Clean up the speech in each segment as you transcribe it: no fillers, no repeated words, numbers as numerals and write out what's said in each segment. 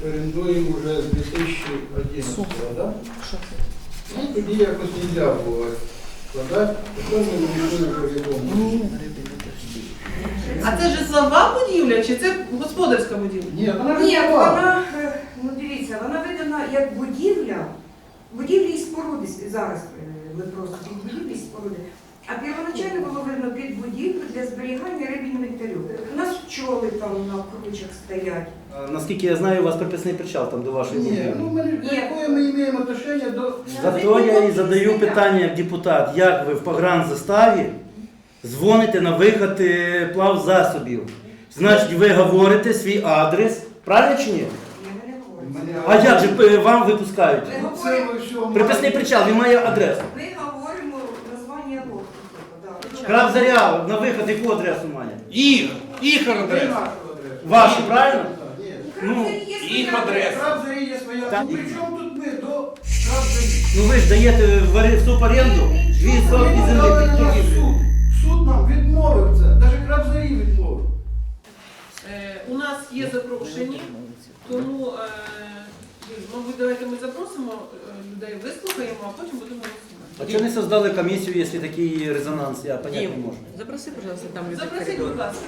орендуємо вже з 2011 року, так? Ну, тоді якось не можна було складати, потім ми вирішили вже відомо. А це житлова будівля чи це господарська будівля? Ні, вона Ні, житлова. вона, ну дивіться, вона видана як будівля, будівлі і споруди зараз ми просто під будівлі і споруди. А первоначально було видно під будівлю для зберігання риб інвентарю. У нас пчоли там на кручах стоять. Наскільки я знаю, у вас приписний причал там до вашої Ні, будівлі. ну ми, якое ми маємо отношення до... Зато я і задаю питання як депутат, як ви в погранзаставі дзвоните на виход плавзасобів. Значить, ви говорите свій адрес, правильно чи ні? Я не говорю. А як же вам випускають? Ми Це говоримо, ви що, Приписний причал, він має адресу. ми говоримо названня лодки. Да. Краб Заря на виход яку адресу має? Їх адреса. Вашу, правильно? Ні. Ну, їх адреса. Краб Зарі є своя. Так. Ну, при чому тут ми до Краб Зарі? Ну ви ж даєте в суборенду 2 сотки Ми землі подали під на будівлю. суд. Суд нам відмовив це. Навіть Краб Зарі відмовив. У нас є запрошені, тому, мабуть, давайте ми запросимо людей, вислухаємо, а потім будемо А голосувати. чого не создали комісію, якщо такий резонанс, я понять не можу. Запроси, пожалуйста, там людей в Запросіть, коридор. будь ласка.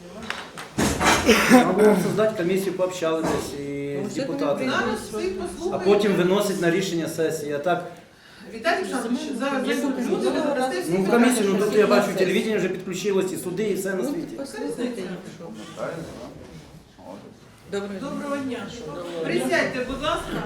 Могу вам создати комісію, пообщалися і з депутатами. Зараз всіх А послухаємо. потім виносить на рішення сесії. А так, Віталій Олександрович, зараз люди додасте всі ну в комісію, ну тут я бачу, телевізія вже підключилось, і суди, і все на Ну, світі. послухайте, я пішов. Доброго дня. Доброго дня. Присядьте, будь ласка.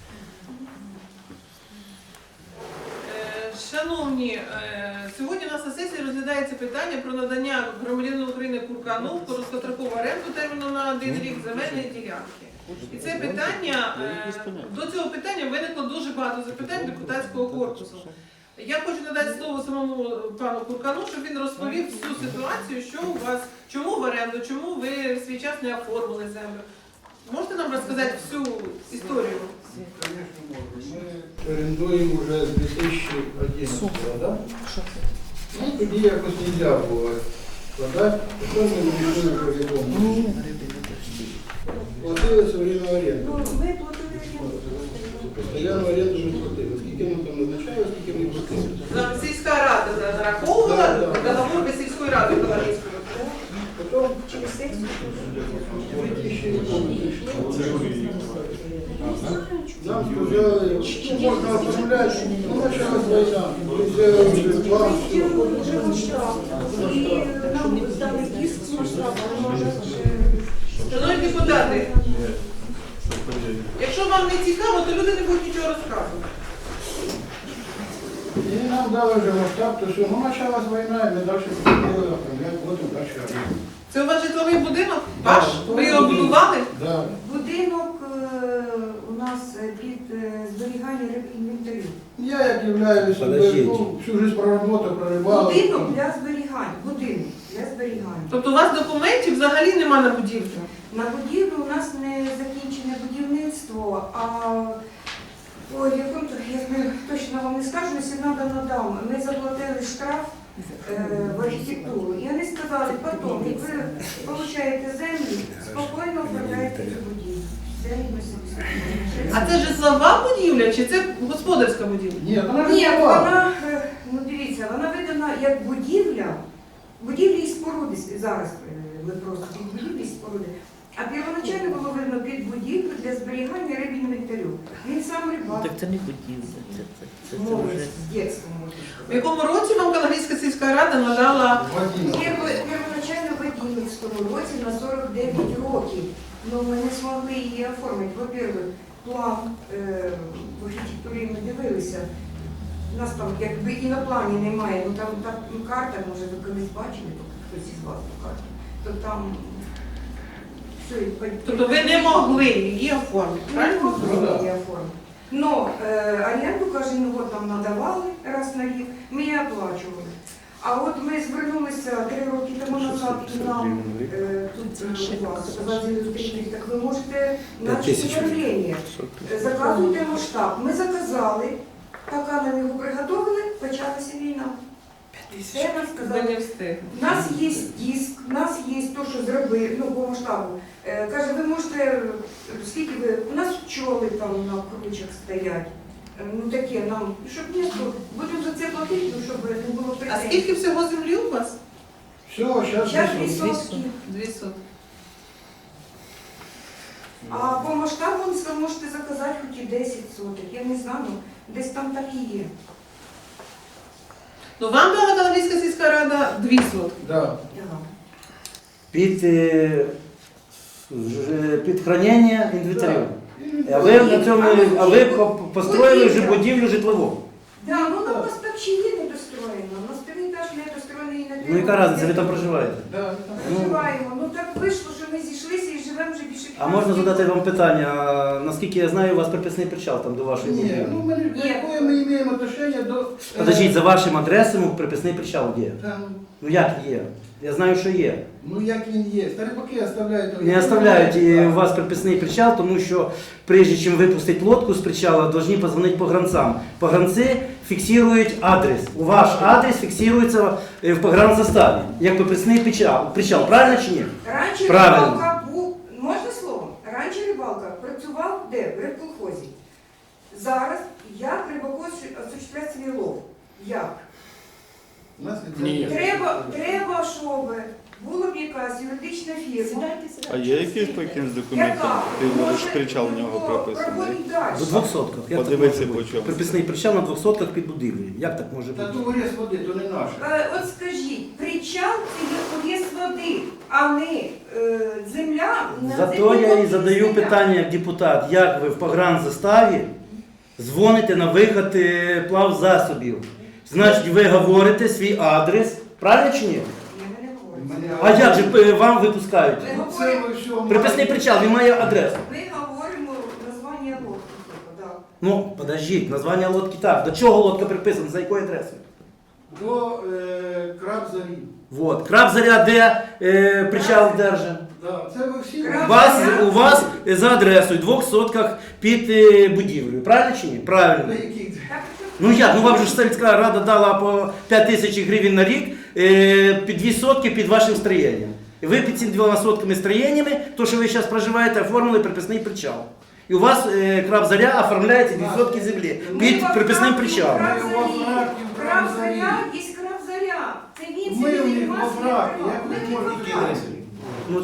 Шановні, сьогодні у нас на сесії розглядається питання про надання громадянину України Куркану в короткострокову оренду терміну на 1 рік земельної ділянки. І це питання, до цього питання виникло дуже багато запитань депутатського корпусу. Я хочу надати слово самому пану Куркану, щоб він розповів всю ситуацію, що у вас, чому в оренду, чому ви в свій час не оформили землю. Можете нам розказати всю історію? Звісно, можна. Ми орендуємо вже з 2011 року, так? Ну, тоді якось не можна було складати, потім ми вирішили вже відомо. Платили все время оренду. Ну, ми платили Постоянно оренду не платили. Скільки ми там назначали, скільки ми платили. Нам сільська рада нараховувала Да. договор сільської ради Каларівської. Потім через секцію. 2000 нам сказали, що можна оформляти, ну, почалась війна. Ми взяли вже план, І нам дали диск масштаб, може Шановні депутати, якщо вам не цікаво, то люди не будуть нічого розказувати. і нам дали вже масштаб, то все. Ну, почалась війна, і ми далі хотіли оформляти, потім далі оренду. Це у вас житловий будинок? Ваш? Ви його будували? Да. Будинок у нас під зберігання риб інвентарю. Я як являюсь, Подождіть. всю жизнь проработав, прорибав. Будинок для зберігань. Будинок для зберігання. Тобто у вас документів взагалі нема на будівлю? На будівлю у нас не закінчене будівництво, а ой, я точно вам не скажу, якщо треба надам. Ми заплатили штраф в архітектуру. І вони сказали, потім, як ви отримаєте землю, спокійно оформляєте цю будівлю. Це ми собі спокійно. А це житлова будівля чи це господарська будівля? Ні, вона Ні, житлова. вона, ну дивіться, вона видана як будівля, будівлі і споруди зараз ми просто під будівлі і споруди. А первоначально було видно під будівлю для зберігання риб інвентарю. Він сам рибак. Так це не будівля, це Молодь, вже... з дитинства, можна В сказати. якому році вам Каларівська сільська рада надала? Первоначально в 11 році на 49 років. Но ми не змогли її оформити. Во-первых, план в архітектурі ми дивилися. У нас там якби і на плані немає, ну там карта, може ви колись бачили, хтось із вас ту карту, то там все. Тобто ви не могли її оформити, Не правильно? могли її оформити. Но оренду кожен год нам надавали раз на рік, ми її оплачували. А от ми звернулися 3 роки тому назад і нам тут у вас сказали, так ви можете начати управління. Заказуйте масштаб. Ми заказали, поки нам його приготовили, почалася війна. Це я вам Ви сказала. не встигли. У нас є диск, у нас є те, що зробили, ну, по масштабу. Каже, ви можете, скільки ви, у нас пчоли там на кручах стоять. Ну таке нам, щоб місто, будемо за це платити, ну, щоб не було А претензій. скільки всього землі у вас? Все, зараз Зараз 2 висунуть. сотки. 2 сотки. А по масштабу ви можете заказати хоч і 10 соток. Я не знаю, ну, десь там так і є. Ну вам дала Калинівська сільська рада 2 сотки. Да. Ага. Під хранення інвентарю. А ви построїли вже будівлю житлову. Да, ну у нас так ще є недостроєно. У нас 3 етаж недостроєний і не треба. Ну яка разниця, ви там проживаєте? Да, там. Проживаємо. Ну так вийшло, що ми зійшлися і живемо вже більше 15 А можна років. задати вам питання? А, наскільки я знаю, у вас приписний причал там до вашої Ні, будівлі. ну ми, Ні. якое ми маємо отношення до... Подождіть, за вашим адресом приписний причал є. Там, Ну як є? Я знаю, що є. ну як він є. Старипаки оставляють... Не оставляють у вас приписний причал, тому що прежде чим випустити лодку з причала, повинні позвонити погранцам. Погранці фіксують адрес. У ваш адрес фіксується в погранзаставі, як приписний причал. Правильно чи ні? Раніше Правильно. рибалка був, можна слово? Раніше рибалка працював де? В рибколхозі. Зараз як рибакос осуществляє свій лов? Як? У нас Ні. Треба, щоб була б якась юридична фірма, А є якийсь по якимсь документам? Ти можеш причал в нього прописаний? проводить далі. До 2 сотках. Як так Подивися, може по бути? чому. Приписний причал на 2 сотках під будівлею. Як так може Та бути? то виріз води, то не наше. От скажіть, причал це є води, а не земля. на Зато землі я і води задаю земля. питання як депутат, як ви в погранзаставі дзвоните на виход плавзасобів. Значить, ви говорите свій адрес, правильно чи ні? Я не говорю. А як же вам випускають? Ми Це говоримо, ви все Приписний причал, він має адресу. ми говоримо названня лодки. Да. Ну, подождіть, названня лодки так. До чого лодка приписана, за якою адресою? До краб зарі. Вот. Краб заря, де причал держить. Да. Це ви всі... У вас за адресою 2 сотках під будівлею. Правильно чи ні? Правильно. На яких? Так, Ну як? Ну вам же ж сільська рада дала по 5 тисяч гривень на рік під 2 сотки під вашим строєнням. І ви під цими 2 сотками строєннями, то що ви зараз проживаєте, оформили приписний причал. І у вас краб заря оформляється 2 сотки землі під приписним причалом. Краб заря, є краб заря. Це він Ми собі у них займався, во фракі, не як Ми ви не можете во фракі. Ну,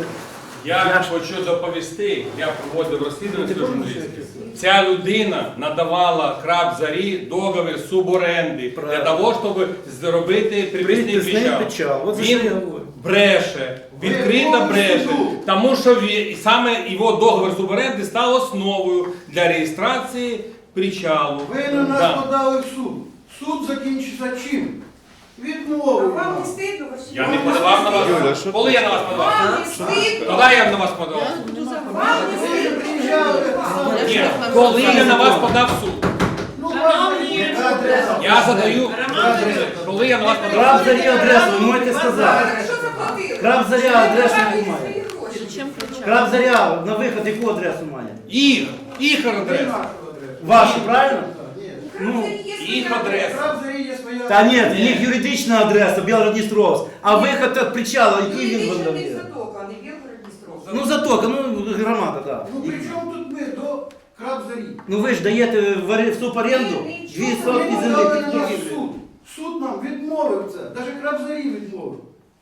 Я хочу доповісти, я проводив розслідування журналістів. Ця людина надавала краб зарі договір суборенди для того, щоб зробити приписний Приписний причал. причал. От за що я Він говорю. бреше, відкрито бреше, тому що саме його договір суборенди став основою для реєстрації причалу. Ви на нас Да. подали в суд. Суд закінчиться чим? А Відмовою. вам не стидно? Я не подавав на Юля, вас. що Коли я на вас подавав? Вам не стидно? Коли я на вас подавав? Вам не стидно? Ні, коли я на вас подав в суд. Ну, ладно, адреса. Я задаю, коли я на вас подав. Краб заря адресу, ви можете сказати. Що заплатили? Краб заря адресу Забрали немає. свої гроші. Чим кричати? Краб заря на виход яку адресу має? Їх Не адреса. нашу адресу. Вашу, правильно? Ні. Краб заря є їх своя адреса. Краб зарі є своя... Та ні, в них юридична адреса, Білгород-Дністровськ, а виход від причала, який він Юридична вам не дає? затока, а не Білгород-Дністровська. Ну затока, ну громада, так. Ну при чому тут ми до краб зарі? Ну ви ж даєте в суборенду 2 сотки Ми землі подали під на нас будівлею. суд. Суд нам відмовив це. Навіть краб зарі відмовив.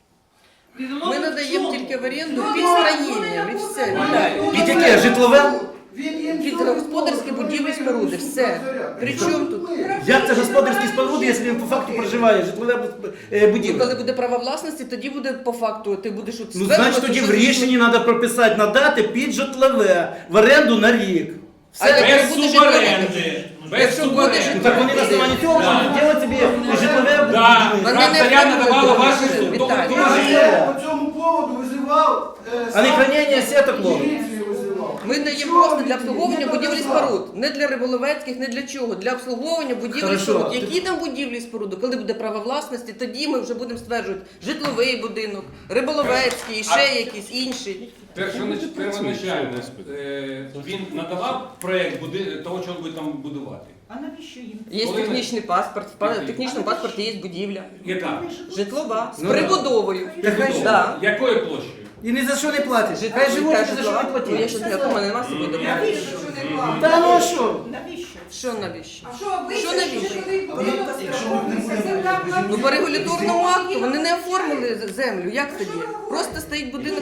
Ми надаємо тільки в оренду Ну, під ну, строєння, ну, від ну, все, ну, Віталій. ну, Під яке? Житлове? Він їм Під все господарські відмовив. будівлі, Суд споруди, краб все. заря. При чому тут? Ми. Як це господарські споруди, якщо він по факту проживає житлове Ну, будівля? коли буде право власності, тоді буде по факту, ти будеш от Ну, значить, тоді в рішенні треба прописати, надати під житлове в оренду на рік. А Все. як Без буде суборенди. Без Якщо буде суборенди. Ну, так вони на основанні цього Да. можуть робити собі житлове Да. будівлю. Вони Краб не заря оформлюють надавала договір, ваші суд. Віталій. Я по цьому поводу визивав... А не хранення сеток ловить. Міліцію визивав. Ми даємо просто для обслуговування будівлі і споруд. Не для риболовецьких, не для чого. Для обслуговування будівлі і Хорошо. споруд. Які там будівлі і споруди? Коли буде право власності, тоді ми вже будемо стверджувати житловий будинок, риболовецький, ще якийсь інший. Первоначально він надавав проєкт того, що він буде там будувати. А навіщо їм? Є Коли ми- технічний паспорт, в технічному паспорті є будівля. Яка? Житлова. З Ну, прибудовою. Та хай же- Да. Якою площею? І ні за що не платиш. Житлова. Хай живуть, Та ні за що житлова. не Ну, я платиш. щось не мене нема з собою документів. Навіщо, що не платить? Та ну а що? Навіщо? Що навіщо? А що ви Що це навіщо? житловий будинок страховується земля Ну по регуляторному акту вони не оформили землю. Як тоді? Просто стоїть будинок.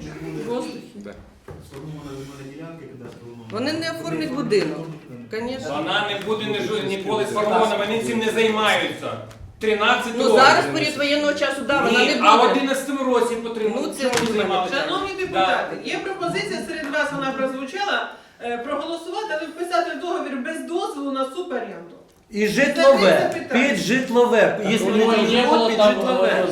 Вони не оформлять будинок. Звісно. Вона не буде ніколи сформована, вони цим не займаються. 13 Ну років. зараз період воєнного часу, да, вона Ні, не а в буде. 11 році потрібно. Ну, це не займалися. Шановні депутати, є пропозиція серед вас, вона прозвучала, проголосувати, але вписати в договір без дозволу на суборенду. І житлове, Це питання. під житлове. Якщо не живуть, під житлове.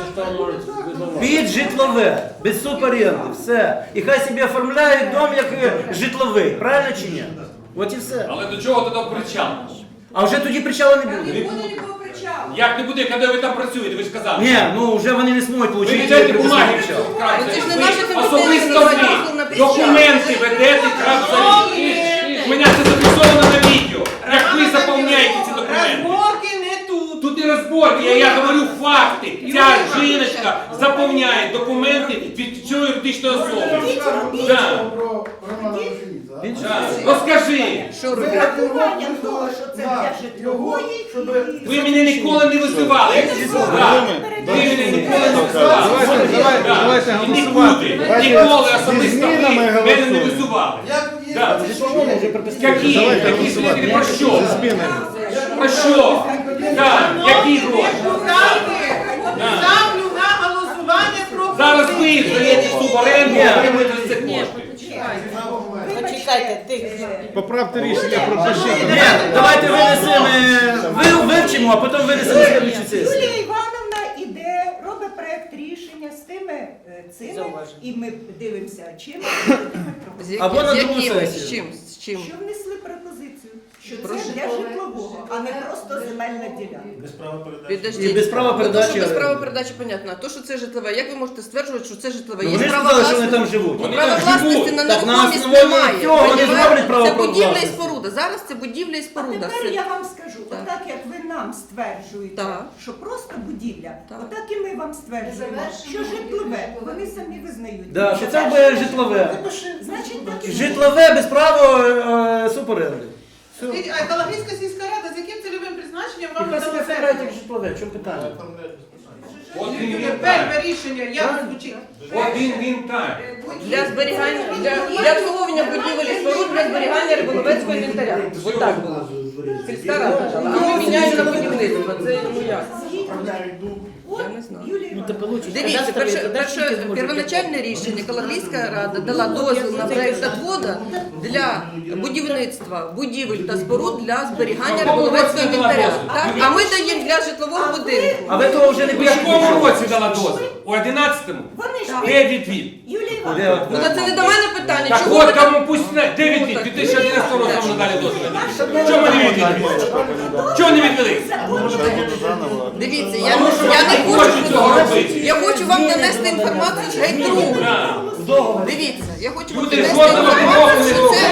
Під житлове, без суборенди, все. І хай собі оформляють дом як житловий, правильно чи ні? От і все. Але до чого тоді причал? А вже тоді причала не Там буде. не буде нікого причалу. Як не буде, коли ви там працюєте, ви ж казали. Ні, ну вже вони не зможуть Ви отримати. ведете бумаги, причал. Ну, це ж не наші компетенції, особисто давайте ви дозвіл на причал. документи ведете крапзарі. У мене це зафіксовано на відео. Як ви заповняєте ці документи? Розборки не тут. Тут не розборки, я говорю факти. Ця жіночка заповняє документи від цієї юридичної особи. Да. Да. Розкажи. Що робити? Врахування того, що це для житлової. Ви мене ніколи не визивали. Да. Ви мене ніколи не визивали. Давайте І нікуди. Ніколи особисто ви змінами мене не голосуємо. визивали. Як є Да. житловому вже Які? Давайте Які голосувати. зміни? Про що? Зі змінами. Про що? Так, які гроші? Ставлю на голосування про Зараз ви здаєте суборенду, отримуєте за це кошти. Почекайте, ти. Поправте рішення, пропишіть. Ні, давайте винесемо, вивчимо, а потім винесемо на слідчу сесію. Юлія Івановна іде, робить проект рішення з тими цими, Зауваження. і ми дивимося, чим З Або на другу якими? сесію. З чим? З чим? що внесли пропозицію, що Про це для житлового, а не просто земельна ділянка. Підождіть. І без права Ну, то, передачі що без права оренди. передачі, понятно. А то, що це житлове, як ви можете стверджувати, що це житлове? Ну, Є вони ж право сказали, що вони власності. там живуть. Вони Право там власності живуть. на Так, на нерухомість основі немає. цього вони Понімаєте? зроблять право Це будівля і власності. споруда. Зараз це будівля і А споруда. тепер Все. я вам скажу, Так. отак як ви нам стверджуєте, Так. що просто будівля, Так. отак і ми вам стверджуємо, що житлове, вони самі визнають. Да, що це буде житлове. Значить, так і Житлове без права суборенди. Все. А Калагрійська сільська рада з яким цільовим призначенням вам Яка себе надала оформляють землю? як житлове, в чому питання? От він Перше рішення, як звучить? він так. Для зберігання, для обслуговування будівель і споруд для зберігання риболовецького інвентаря. Ось так було. Сільська рада. А ми міняємо на будівництво. Це ну як? Я не знаю. Юлія Дивіться, перше первоначальне рішення Калагрійська рада дала дозвіл на проєкт отвода для будівництва будівель та споруд для зберігання риболовецького інвентаря. Так? А ми даємо для житлового будинку. А ви того вже не У якому пишете. році дала дозвіл? У 11-му? Вони ж Де відвід? Юлія Де Івановна, от? Ну та це не до мене питання. Так Чому ви от так? кому пусть не. Де відвід? 2011 року вам надали дозвіл. Чому ми не відвідали? Чого не відвели? Дивіться, Тому що я не вони хочуть цього хочу. робити. Я хочу вам донести інформацію з геть другу. Да. Дивіться, я хочу вам Люди донести жодного кроку інформацію, не що це.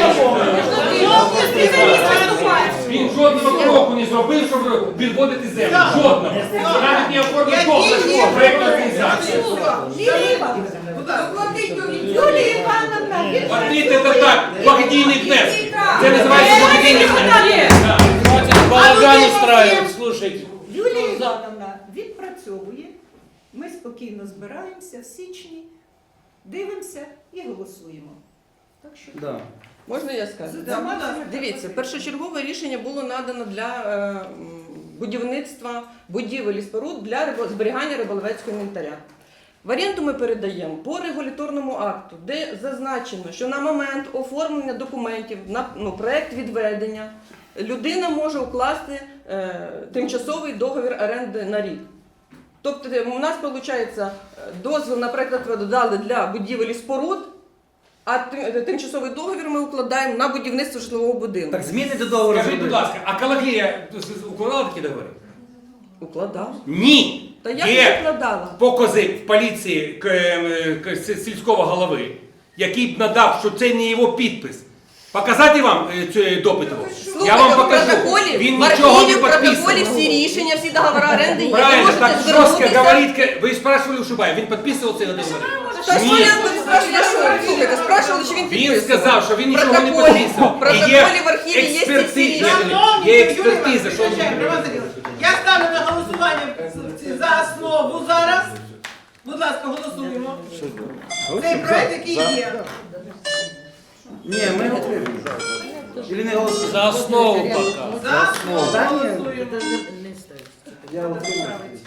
Він жодного кроку не зробив, щоб відводити землю. Жодного. Навіть не оформив договір проєктну організацію. Юлія Івановна, Юлія Івановна, він Платити це так, благодійний внесок. Це називається благодійний внесок. Балаган устраивать, слушайте. Юлія Івановна відпрацьовує, ми спокійно збираємося в січні, дивимося і голосуємо. Так що Да. Можна я скажу? за цими Дивіться, першочергове рішення було надано для будівництва будівель і споруд для зберігання риболовецького інвентаря. В оренду ми передаємо по регуляторному акту, де зазначено, що на момент оформлення документів на проект відведення людина може укласти тимчасовий договір оренди на рік. Тобто у нас виходить дозвіл на проект відведу дали для будівель і споруд, а тимчасовий договір ми укладаємо на будівництво житлового будинку. Так зміни до договору Скажіть, будь зробили. ласка, а Калагрія укладала такі договори? Укладав. Ні. Та я Є не укладала. покази в поліції сільського голови, який б надав, що це не його підпис. Показати вам цю допит? Я Слухайте, вам в покажу. протоколі, Він в нічого архіві, не в протоколі підписував. всі рішення, всі договори оренди є. Ви Правильно, можете так жорстко звернутися. говорить. Ви спрашивали у Шубая, він підписував цей договір? Та що Ні. я тут спрашиваю? Слухайте, спрашивали, чи він Він підписував. сказав, що він нічого не Протоколі- підписував. в протоколі в архіві є ці всі експертиза. рішення. Є експертиза, що він Я ставлю на голосування за основу зараз. Будь ласка, голосуємо. Цей проект, який є. Ні, ми готові. Или не голосуємо? За основу пока. За основу Та ні. голосуємо. Я отримую.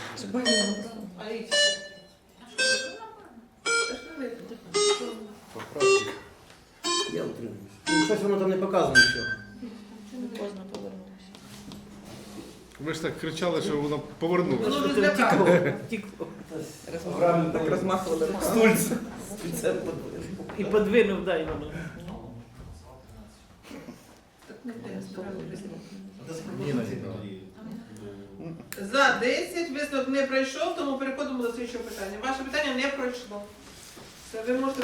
Я отримую. Ну, щось воно там не показано нічого. Ви ж так кричали, що воно повернулося. Воно вже злякало. Так розмахували руками. І подвинув, дай воно. За 10, висновок не пройшов, тому переходимо до слідчого питання. Ваше питання не пройшло. Все, ви можете...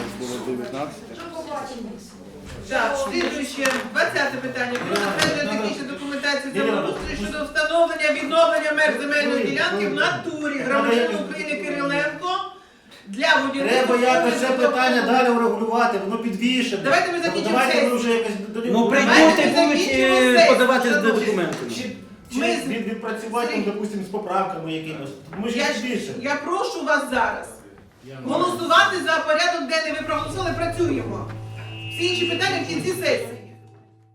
Так, слідуюче, 20 питання. Про затвердження технічної документації землеустрою щодо встановлення відновлення меж земельної ділянки в натурі громадянина України Кириленко для будівництва. Треба якось це питання далі врегулювати, воно підвішене. Давайте ми закінчимо Давайте сесію. ми вже якось Ну прийдуть Давайте і ми будуть закінчимо сесію, подавати шановні. документи. чи Ми- відпрацювати, там, допустимо, з поправками якимось. Ми ж Я, їх збільшимо. я прошу вас зараз голосувати за порядок денний. Ви проголосували, працюємо. Всі інші питання в кінці сесії.